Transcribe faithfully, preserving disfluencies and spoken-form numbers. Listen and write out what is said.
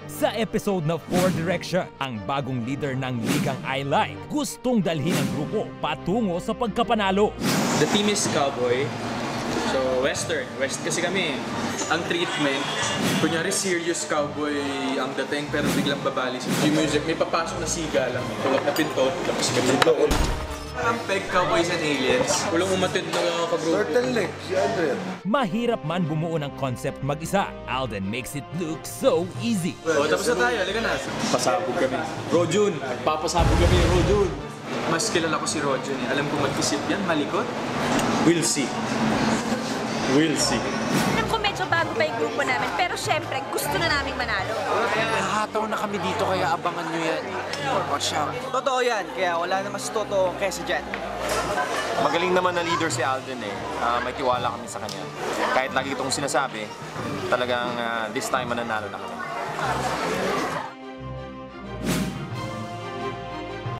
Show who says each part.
Speaker 1: Sa episode na Four Direction, ang bagong leader ng ligang I Like gustong dalhin ang grupo patungo sa pagkapanalo.
Speaker 2: The team is cowboy, so western. West kasi kami. Ang treatment, kunyari serious cowboy ang dating pero biglang babali sa music. May papasok na siga lang, tulak na pinto, tapos kami doon. Ang peg cowboys and aliens. Walang umatid na kagrupo.
Speaker 3: Turtleneck, si Andrea.
Speaker 1: Mahirap man bumuo ng concept mag-isa, Alden makes it look so easy.
Speaker 2: O, tapos na tayo, halika na. Pasabog kami. Rojun, papasabog kami ni Rojun. Mas kilala ko si Rojun eh. Alam ko mag-isip yan, malikot. We'll see. We'll see.
Speaker 4: Alam ko medyo bago pa yung grupo namin, pero syempre gusto na naming manalo.
Speaker 5: Nahataw na kami dito kaya abangan nyo yan. Watch out.
Speaker 6: Totoo yan, kaya wala na mas totoo kesa dyan.
Speaker 7: Magaling naman na leader si Alden eh. Uh, may tiwala kami sa kanya. Kahit lagi itong sinasabi, talagang uh, this time mananalo na kami.